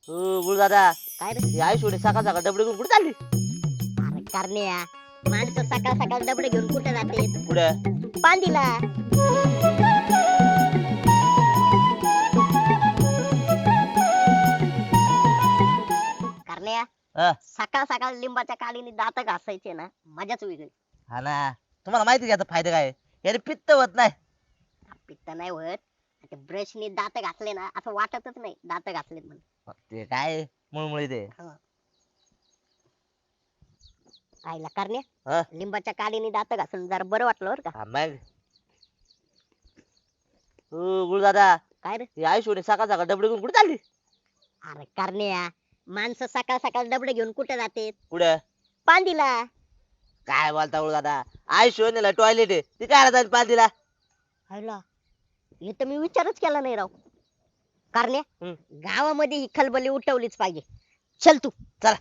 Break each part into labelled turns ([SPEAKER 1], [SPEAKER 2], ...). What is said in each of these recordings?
[SPEAKER 1] गुरु दादा
[SPEAKER 2] काय रे?
[SPEAKER 1] आई सोडे सकाळ सकाळ डबडे घेऊन कुठे चालली?
[SPEAKER 2] अरे करण्या, माणसं सकाळ सकाळ डबडे घेऊन कुठे जाते?
[SPEAKER 1] कुठे?
[SPEAKER 2] पांदीला. करण्या,
[SPEAKER 1] हा
[SPEAKER 2] सकाळ सकाळ लिंबाच्या काडीने दात घासायचे ना, मजाच वेगळी.
[SPEAKER 1] हा ना, तुम्हाला माहिती का याचा फायदा काय आहे? याने पित्त होत नाही.
[SPEAKER 2] पित्त नाही होत. ते ब्रशने दात घासले ना, असं वाटतच नाही दात घासलेत म्हणून.
[SPEAKER 1] ते काय मुळमुळे ते.
[SPEAKER 2] आईला करण्या,
[SPEAKER 1] हा
[SPEAKER 2] लिंबाच्या काडीने दात घासून जरा बरं वाटलं बरं का.
[SPEAKER 1] हा, मग गुरु दादा
[SPEAKER 2] काय रे?
[SPEAKER 1] आई सोडे सकाळ सकाळ डबडे घेऊन कुठे चालली?
[SPEAKER 2] अरे करण्या, माणसं सकाळ सकाळ डबडे घेऊन कुठे जाते?
[SPEAKER 1] कुठे?
[SPEAKER 2] पांदीला.
[SPEAKER 1] काय बोलता गुरु दादा? आई शोनेला टॉयलेट आहे ती काय जाईल पालतीला?
[SPEAKER 2] हायला, हे तर मी विचारच केला नाही राव. करण्या,
[SPEAKER 1] हम्म.
[SPEAKER 2] गावामध्ये ही खलबली उठवलीच पाहिजे. चल तू.
[SPEAKER 1] चला.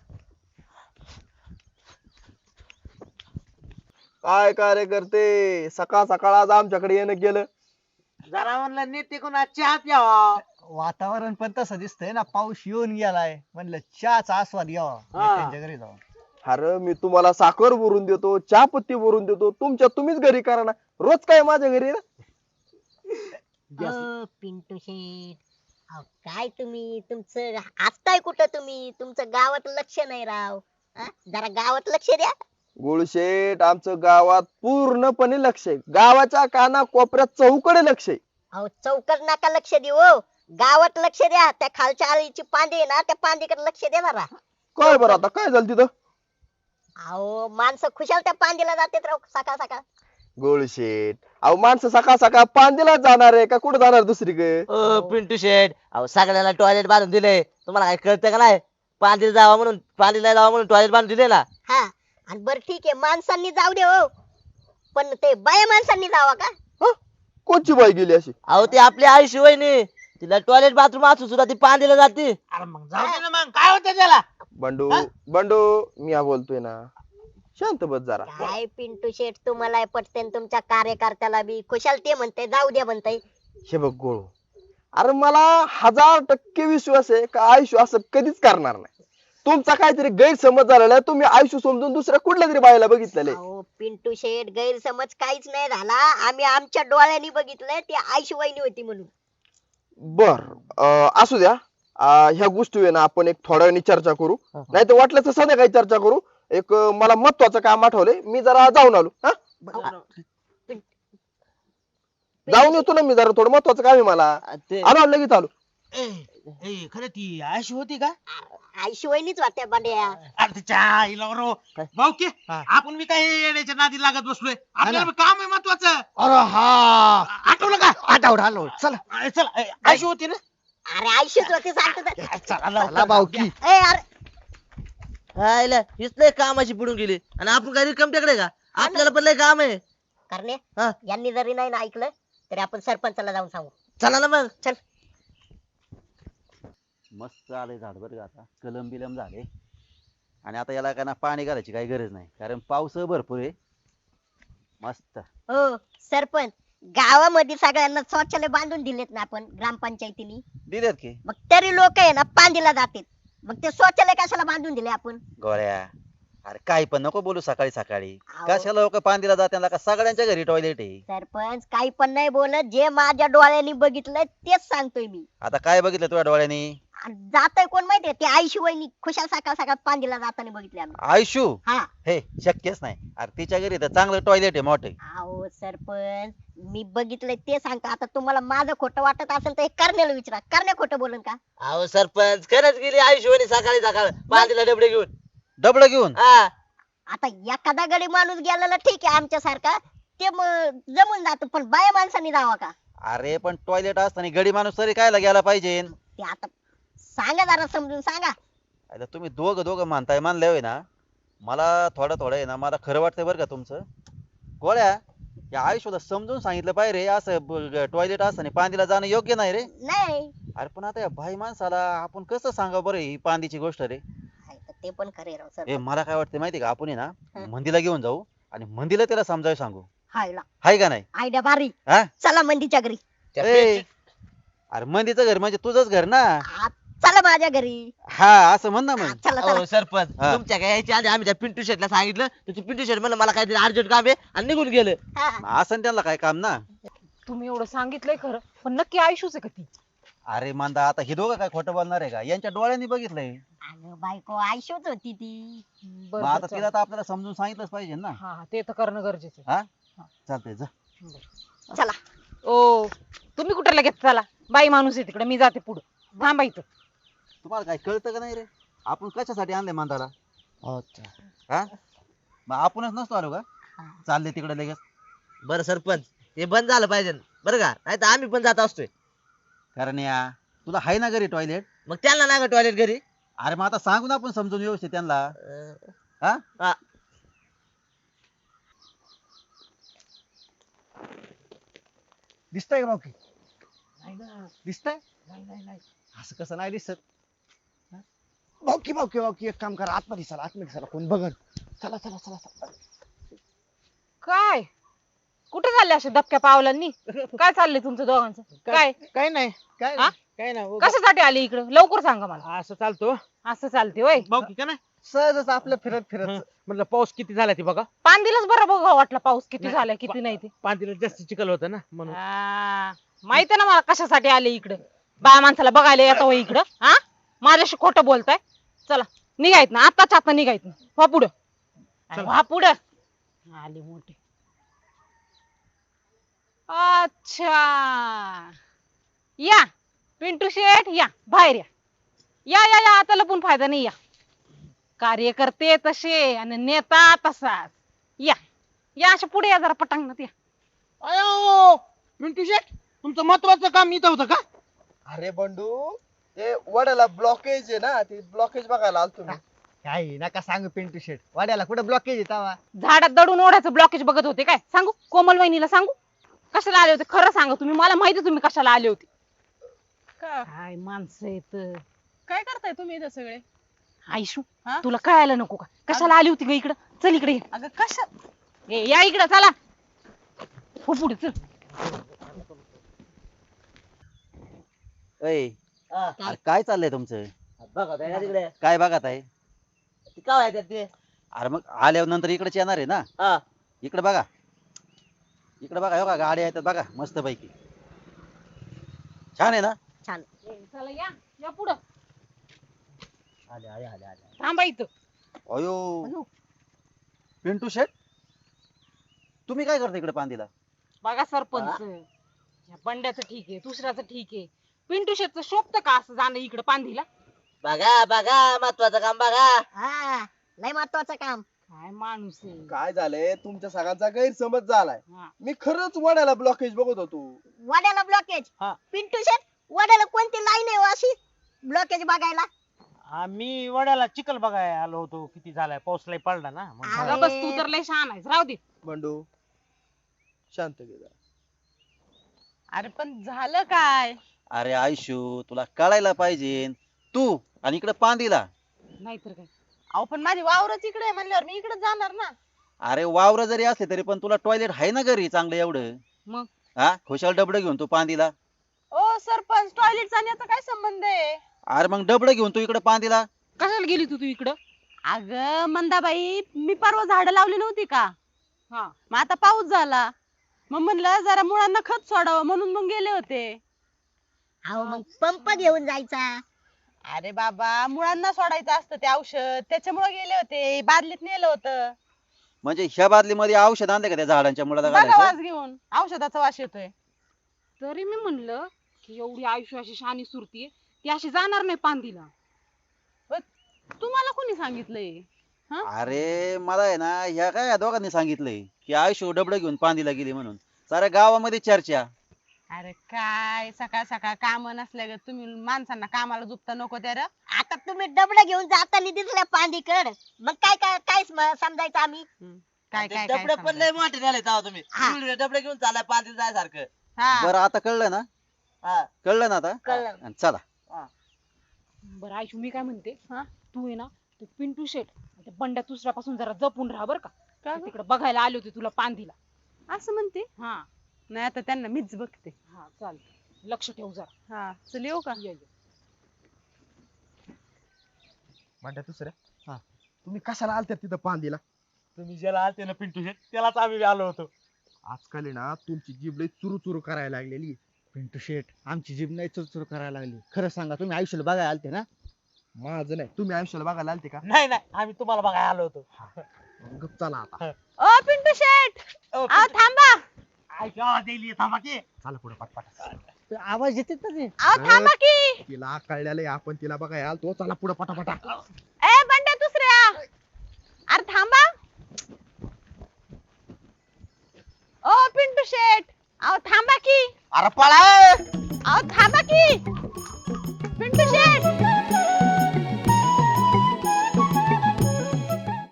[SPEAKER 3] काय कार्यकर्ते सकाळ सकाळ आज आमच्याकडे येणं गेलं.
[SPEAKER 1] जरा म्हणलं नीट टिकून चहा प्यावा.
[SPEAKER 4] वातावरण पण तसं दिसतंय ना, पाऊस येऊन गेलाय, म्हणलं चहाचा आस्वाद घ्यावा नेत्यांच्या घरी जाऊन.
[SPEAKER 3] अरे मी तुम्हाला साखर भरून देतो, चहा पत्ती भरून देतो, तुम्हीच घरी करा ना. रोज काय माझ्या घरी ना.
[SPEAKER 2] पिंटू शेठ, अहो, काय तुम्ही तुमचं असताय कुठं? तुम्ही तुमचं गावात लक्ष नाही राव. हा? जरा गावात लक्ष द्या.
[SPEAKER 3] गुळशेठ आमचं गावात पूर्णपणे लक्ष आहे. गावाच्या काना कोपऱ्यात चौकडे लक्ष आहे.
[SPEAKER 2] अहो, चौकट नका लक्ष देऊ हो. गावात लक्ष द्या. त्या खालच्या आळीची पांदी आहे ना, त्या पांदीकडे लक्ष द्या जरा.
[SPEAKER 3] काय बरं आता काय झालं तिथं?
[SPEAKER 2] अहो, माणसं खुशाल त्या पांदीला जातात राव सकाळ सकाळ.
[SPEAKER 3] गुळशेठ अहो माणसं सकाळ सकाळ पांदीला जाणार आहे का कुठे जाणार दुसरीकडे?
[SPEAKER 1] पिंटू शेठ अहो सगळ्याला टॉयलेट बांधून दिले, तुम्हाला काय कळतं का नाही? पालतीला जावा म्हणून, पालतीला जावा म्हणून टॉयलेट बांधून दिले ना.
[SPEAKER 2] हा, आणि बरं ठीक आहे, माणसांनी जाऊ दे हो, पण ते बाया माणसांनी जावा का?
[SPEAKER 3] हं? कोणची बाई गेली अशी?
[SPEAKER 1] अहो ती आपली आई शिवायनी, तिला टॉयलेट बाथरूम असू सुद्धा ती पांदीला जाते.
[SPEAKER 5] अरे मग जाऊ दे ना, मग काय होतं त्याला?
[SPEAKER 3] बंडू बंडू मी हा बोलतोय ना, शांत बस जरा.
[SPEAKER 2] काय पिंटू शेठ, तुम्हाला पटते तुमच्या कार्यकर्त्याला बी खुशाल ते म्हणते जाऊ दे म्हणते.
[SPEAKER 3] हे बघ गोळू, अरे मला 1000% विश्वास आहे का आयुष्य असं कधीच करणार नाही. तुमचा काहीतरी गैरसमज झालेला आहे. तुम्ही आयुष्य समजून दुसऱ्या कुठल्या तरी बाईला बघितलेले.
[SPEAKER 2] अहो पिंटू शेठ, गैरसमज काहीच नाही झाला. आम्ही आमच्या डोळ्यांनी बघितलंय, ती आईशी वहिनी होती म्हणून.
[SPEAKER 3] बर असू द्या. ह्या गोष्टी आहे ना आपण एक थोड्या वेळाने चर्चा करू, नाही तर वाटलं तर संध्याकाळी चर्चा करू. एक मला महत्वाचं काम आठवलंय, मी जरा जाऊन आलो. हा जाऊन येतो ना मी, जरा थोडं महत्वाचं काम आहे मला.
[SPEAKER 1] ते
[SPEAKER 3] आलो लगेच आलो.
[SPEAKER 5] ए, ए, खरं ती अशी होती का?
[SPEAKER 2] आईशी वहिनीच वाटते बांड्या.
[SPEAKER 5] अरे तिच्या आईला बरो भाऊ की आपण मी काय येण्याच्या नादी लागत बसलोय, आपल्याला बी काम आहे महत्वाचं.
[SPEAKER 4] अरे हा,
[SPEAKER 5] आठवलं का?
[SPEAKER 4] आठवलं आलो, चला
[SPEAKER 5] अरे चल, अशी होती ना.
[SPEAKER 2] अरे आईशीच होती सांगतो तर.
[SPEAKER 4] चला भाऊकी.
[SPEAKER 2] ए अरे,
[SPEAKER 1] हीच लय कामाची पडून गेली आणि आपण काही रिकाम टेकडे का? आपल्याला पण लय काम आहे.
[SPEAKER 2] करणे,
[SPEAKER 1] हा.
[SPEAKER 2] यांनी जरी नाही ना ऐकलं तरी आपण सरपंचाला जाऊन सांगू.
[SPEAKER 1] चला ना मग.
[SPEAKER 2] चल.
[SPEAKER 6] मस्त आलंय झाड बरं का, आता कलम बिलम झाले. आणि आता याला काय ना पाणी घालायची काही गरज नाही, कारण पाऊस भरपूर आहे. मस्त.
[SPEAKER 2] हो सरपंच, गावामध्ये सगळ्यांना शौचालय बांधून दिलेत ना आपण ग्रामपंचायतीने.
[SPEAKER 6] दिलेत की
[SPEAKER 2] मग तरी लोक आहे ना पांदीला जातात. मग ते शौचालय कशाला बांधून दिले आपण?
[SPEAKER 6] गोळ्या, अरे काही पण नको बोलू सकाळी सकाळी.
[SPEAKER 2] अहो.
[SPEAKER 6] कशाला लोक पांदीला जात्याला का? सगळ्यांच्या घरी टॉयलेट आहे.
[SPEAKER 2] सरपंच काही पण नाही बोलत, जे माझ्या डोळ्यांनी बघितलंय तेच सांगतोय मी.
[SPEAKER 6] आता काय बघितलं तुझ्या डोळ्यानी?
[SPEAKER 2] जातोय कोण माहितीये? ते आईशी वहिनी खुशाल सकाळ सकाळ पांदीला जाताना बघितले आम्ही.
[SPEAKER 6] आयशू?
[SPEAKER 2] हा.
[SPEAKER 6] हे शक्यच नाही. अरे तिच्या घरी तर चांगलं टॉयलेट आहे मोठे.
[SPEAKER 2] अहो सरपंच, मी बघितलंय ते सांगतो. आता तुम्हाला माझं खोटं वाटत असेल तर हे करण्याला विचारा, करण्या खोटं बोलन का?
[SPEAKER 1] अहो सरपंच खरंच गेली आई शिवानी सकाळी सकाळ पालतीला डबडे घेऊन.
[SPEAKER 6] डबडं घेऊन?
[SPEAKER 1] हा
[SPEAKER 2] आता एखादा गडी माणूस गेलेला ठीक आहे आमच्या सारखा, ते जमून जात, पण बाया माणसांनी जावा का?
[SPEAKER 6] अरे पण टॉयलेट असताना गडी माणूस तरी कायला गेला पाहिजे?
[SPEAKER 2] ते आता सांगा, जरा समजून सांगा.
[SPEAKER 6] आता तुम्ही दोघं मानताय, मानले होय ना. मला थोडं आहे ना, मला खरं वाटतंय बरं का तुमचं. गोळ्या, या आयुष्याला समजून सांगितलं पाहिजे रे, असं टॉयलेट असताना पांदीला जाणं योग्य नाही रे.
[SPEAKER 2] नाही
[SPEAKER 6] अरे पण आता या भाई माणसाला आपण कसं सांगा बरं ही पांदीची गोष्ट रे.
[SPEAKER 2] हाय तर ते पण खरे राव
[SPEAKER 6] ए
[SPEAKER 2] सर.
[SPEAKER 6] मला काय वाटतं माहिती का, आपण आहे ना
[SPEAKER 2] हं.
[SPEAKER 6] मंदीला घेऊन जाऊ आणि मंदीला त्याला समजावून सांगू.
[SPEAKER 2] हायला
[SPEAKER 6] हाय का नाही?
[SPEAKER 2] आयडिया भारी.
[SPEAKER 6] हा?
[SPEAKER 2] चला मंदीच्या घरी.
[SPEAKER 6] ए, अरे मंदीचं घर म्हणजे तुझंच घर ना.
[SPEAKER 2] चला माझ्या घरी
[SPEAKER 6] हा असं म्हण ना मग
[SPEAKER 2] चला चला
[SPEAKER 1] अहो सरपंच
[SPEAKER 6] हा.
[SPEAKER 1] तुमच्या काय यायच्या आधी आम्ही त्या पिंटू शेटला सांगितलं तर पिंटू शेट म्हणलं मला काहीतरी अर्जंट काम आहे आणि निघून गेलं.
[SPEAKER 2] हा.
[SPEAKER 6] असं ना त्यांना काय काम ना.
[SPEAKER 7] तुम्ही एवढं सांगितलंय खरं पण नक्की आयुष्यच आहे का ती?
[SPEAKER 6] अरे मांदा आता हे दोघं काय खोटं बोलणार आहे का? यांच्या डोळ्यांनी बघितलंय.
[SPEAKER 2] अगं बायको आयुष्यच होती ती.
[SPEAKER 7] बरं
[SPEAKER 6] मग आता
[SPEAKER 7] बरं,
[SPEAKER 6] तिला तर आपल्याला समजून सांगितलंच पाहिजे ना.
[SPEAKER 7] हा हा, ते तर करणं गरजेचं आहे.
[SPEAKER 6] हा चालतंय जा.
[SPEAKER 2] चला
[SPEAKER 7] ओ तुम्ही कुठे लगेच चला, बाई माणूस आहे तिकडे, मी जाते पुढे, थांबा इथं.
[SPEAKER 6] तुम्हाला काय कळतं का नाही रे? आपण कशासाठी आणले मांदाला?
[SPEAKER 1] अच्छा.
[SPEAKER 6] हा मग आपणच नसतो आलो का? चालले तिकडे लगेच.
[SPEAKER 1] बरं सरपंच हे बंद झालं पाहिजे बरं का, नाही तर आम्ही पण जात असतोय.
[SPEAKER 6] कारण या तुला हाय ना घरी टॉयलेट?
[SPEAKER 1] मग त्यांना नाही का टॉयलेट घरी?
[SPEAKER 6] अरे मग आता सांगू ना आपण समजून व्यवस्थित त्यांना. हा
[SPEAKER 1] हा.
[SPEAKER 4] दिसतंय का बाकी? दिसतंय? असं कसं नाही दिसत? बाकी एक काम करा, आतमध्ये चला कोण बघन. चला चला चला चला.
[SPEAKER 7] काय कुठे चालले असे दबक्या पावलांनी? काय चाललंय तुमचं दोघांचं? काय
[SPEAKER 5] काय नाही काय
[SPEAKER 7] हा?
[SPEAKER 5] काय नाही
[SPEAKER 7] कशासाठी आले इकडं? लवकर सांगा मला.
[SPEAKER 5] असं चालतो
[SPEAKER 7] असं चालते होय?
[SPEAKER 5] भाऊ की का नाही
[SPEAKER 4] सहजच आपलं फिरत फिरत.
[SPEAKER 5] म्हटलं पाऊस किती झाला ते बघा.
[SPEAKER 7] पांदीलाच बरं बघा वाटला पाऊस किती
[SPEAKER 5] नाही,
[SPEAKER 7] झालाय किती नाही ते.
[SPEAKER 5] पांतीला जास्त चिखल होतं ना म्हणून.
[SPEAKER 7] माहिती ना मला कशासाठी आले इकडं. बाया माणसाला बघायला येतो होय इकडं? हा माझ्याशी खोटं बोलताय. चला निघायत ना, आताच आता निघायत ना. व्हा पुढं.
[SPEAKER 5] चला.
[SPEAKER 7] व्हा पुढं. आले मोठे. अच्छा या पिंटू शेठ या बाहेर या. या या या आता लपून फायदा नाही. या कार्यकर्ते तसे आणि नेता तसाच. या या अशा पुढे या जरा पटांगणात या.
[SPEAKER 5] अयो पिंटू शेट तुमचं महत्वाचं काम इथं होतं का?
[SPEAKER 3] अरे बंडू ते वड्याला ब्लॉकेज आहे ना, ते ब्लॉकेज बघायला आलतो मी.
[SPEAKER 4] काही नका सांगू पिंटू शेट, वाड्याला कुठं ब्लॉकेज येतावा?
[SPEAKER 7] झाडात दडून ओढ्याचं ब्लॉकेज बघत होते काय? सांगू कोमल वहिनीला सांगू कशाला आले होते? खरं सांगा तुम्ही, मला माहिती तुम्ही कशाला आले होते. काय माणसं येत.
[SPEAKER 8] काय करताय तुम्ही इथं सगळे?
[SPEAKER 7] आयशू
[SPEAKER 8] हा?
[SPEAKER 7] तुला कळायला नको का कशाला आली होती ग इकडं? चल इकडे ये.
[SPEAKER 8] अगं कशा
[SPEAKER 7] या इकडं चला. हो पुढे चल.
[SPEAKER 6] अय
[SPEAKER 1] हा.
[SPEAKER 6] अरे काय चाललंय तुमचं?
[SPEAKER 1] बघा त्या तिकडे
[SPEAKER 6] काय बघत आहे?
[SPEAKER 1] ते काय आहे त्यात ते?
[SPEAKER 6] अरे मग आल्यावर नंतर इकडेच येणार आहे ना.
[SPEAKER 1] हा.
[SPEAKER 6] इकडे बघा, इकडे बघा, हो का गाड्या आहेत बघा मस्त पैकी. छान आहे ना?
[SPEAKER 2] छान.
[SPEAKER 7] चला या या पुढं.
[SPEAKER 1] आले आले आले आले.
[SPEAKER 7] थांबा इथं.
[SPEAKER 6] अयो पिंटू शेट तुम्ही काय करता इकडे पांदीला?
[SPEAKER 7] बघा सरपंच, या बंड्याचं ठीक आहे, दुसऱ्याचं ठीक आहे, पिंटू शेटचं शोभतं का असं जाणं इकडं पांदीला?
[SPEAKER 1] बघा बघा महत्वाचं काम बघा.
[SPEAKER 2] हा लय महत्वाचं काम.
[SPEAKER 7] काय माणूस आहे.
[SPEAKER 3] काय झालंय तुमच्या सगळ्यांचा गैरसमज झालाय.
[SPEAKER 7] हा.
[SPEAKER 3] मी खरंच वड्याला ब्लॉकेज बघत होतो.
[SPEAKER 2] वाड्याला ब्लॉकेज?
[SPEAKER 5] हा.
[SPEAKER 2] पिंटू शेट वाड्याला कोणती लाईन आहे हो अशी ब्लॉकेज बघायला?
[SPEAKER 5] आम्ही वड्याला चिखल बघायला आलो होतो, किती झालाय पाऊस लय पडला ना म्हणून.
[SPEAKER 2] अरे.
[SPEAKER 7] अगं बस तू तर लय शहाणा आहेस, राहू दे.
[SPEAKER 3] बंडू शांत घे जरा.
[SPEAKER 8] अरे पण झालं काय?
[SPEAKER 6] अरे आयुष्यू तुला कळायला पाहिजे. तू आणि इकडे पांदीला.
[SPEAKER 7] नाहीतर काय.
[SPEAKER 8] अहो पण माझी वावरच इकडे आहे म्हणल्यावर मी इकडे जाणार ना.
[SPEAKER 6] अरे वावर जरी असले तरी पण तुला टॉयलेट आहे ना घरी चांगलं एवढं.
[SPEAKER 7] मग
[SPEAKER 6] हा खुशाल डबडं घेऊन तू पांदीला.
[SPEAKER 8] ओ सरपंच टॉयलेट जाण्याचा काय संबंध आहे?
[SPEAKER 6] अरे मग डबडं घेऊन तू इकडे पांदीला.
[SPEAKER 7] कशाला गेली तू इकडं?
[SPEAKER 8] अगं मंदाबाई मी परवा झाडं लावली नव्हती का?
[SPEAKER 7] हा.
[SPEAKER 8] मग आता पाऊस झाला, मग म्हणलं जरा मुळांना खत सोडावं म्हणून मग गेले होते.
[SPEAKER 2] अहो मग पंप घेऊन जायचा.
[SPEAKER 8] अरे बाबा मुळांना सोडायचं असतं ते औषध, त्याच्यामुळे गेले होते. बादलीत नेलं होतं.
[SPEAKER 6] म्हणजे ह्या बादलीमध्ये औषध आणले का त्या झाडांच्या मुळाला
[SPEAKER 8] बघा
[SPEAKER 6] घालायचं?
[SPEAKER 8] वास घेऊन औषधाचा वास येतोय.
[SPEAKER 7] तरी मी म्हणलं की एवढी आयुष्य अशी शानी सुरती ती अशी जाणार नाही पांदीला.
[SPEAKER 8] तुम्हाला कोणी सांगितलंय?
[SPEAKER 6] अरे मला आहे ना ह्या काय या दोघांनी सांगितलंय की आयुष्य डबडं घेऊन पांदीला गेली म्हणून. साऱ्या गावामध्ये चर्चा.
[SPEAKER 8] अरे काय सकाळ सकाळ काम नसल्या ग तुम्ही माणसांना कामाला झुपता नको त्या रे.
[SPEAKER 2] आता तुम्ही डबडं घेऊन जाताना दिसल्या पांदीकड, मग काय काय काय समजायचं आम्ही?
[SPEAKER 8] काय
[SPEAKER 1] ते
[SPEAKER 8] काय काय
[SPEAKER 1] डबडे पण
[SPEAKER 8] समजायचं?
[SPEAKER 1] लय मोठे झाले तेव्हा तुम्ही.
[SPEAKER 2] हा.
[SPEAKER 1] एवढे डबडे घेऊन चाललाय पांढरी जायसारखं.
[SPEAKER 8] हा.
[SPEAKER 6] बरं आता कळलं ना?
[SPEAKER 1] हा.
[SPEAKER 6] कळलं ना आता?
[SPEAKER 2] कळलं.
[SPEAKER 6] आणि चला.
[SPEAKER 7] बरं आयुष्य मी काय म्हणते,
[SPEAKER 8] हा?
[SPEAKER 7] तू आहे ना ते पिंटू शेट आणि त्या बंड्या दुसऱ्यापासून जरा जपून राहा बरं का.
[SPEAKER 8] का
[SPEAKER 7] ते
[SPEAKER 8] गं?
[SPEAKER 7] तिकडे बघायला आले होते तुला पांदीला.
[SPEAKER 8] असं म्हणते?
[SPEAKER 7] हा
[SPEAKER 8] नाही आता त्यांना मीच बघते.
[SPEAKER 7] हा चाल लक्ष ठेव जरा.
[SPEAKER 8] हा चल येऊ का?
[SPEAKER 7] ये, ये.
[SPEAKER 3] म्हणता दुसऱ्या तुम्ही कशाला आलते तिथं पांदीला?
[SPEAKER 5] तुम्ही ज्याला आलते ना पिंटू शेट त्यालाच आम्ही आलो होतो.
[SPEAKER 3] आजकाल आहे ना तुमची जीभ लई चुरू चुरू करायला लागलेली.
[SPEAKER 4] पिंटू शेट आमची जीभ नाही चुरचुर करायला लागली. खरं सांगा तुम्ही आयुष्याला बघायला आलते ना?
[SPEAKER 3] माझं नाही, तुम्ही आयुष्याला बघायला आलते का?
[SPEAKER 5] नाही नाही आम्ही तुम्हाला बघायला आलो होतो.
[SPEAKER 3] गप चला आता.
[SPEAKER 7] ओ पिंटू शेट
[SPEAKER 5] अहो,
[SPEAKER 7] अहो थांबा.
[SPEAKER 5] ऐका आवाज येईल थांबा की.
[SPEAKER 3] चला पुढे पटपट.
[SPEAKER 4] ते आवाज येते ना ते.
[SPEAKER 7] अहो थांबा की.
[SPEAKER 3] तिला कळलेलं आपण तिला बघायला आलतो. चला पुढे पटापटा.
[SPEAKER 7] ए बंड्या दुसऱ्या. अरे थांबा. ओ पिंटू शेट अहो थांबा की.
[SPEAKER 3] अरे पळा.
[SPEAKER 7] अहो थांबा की. पिंटू शेट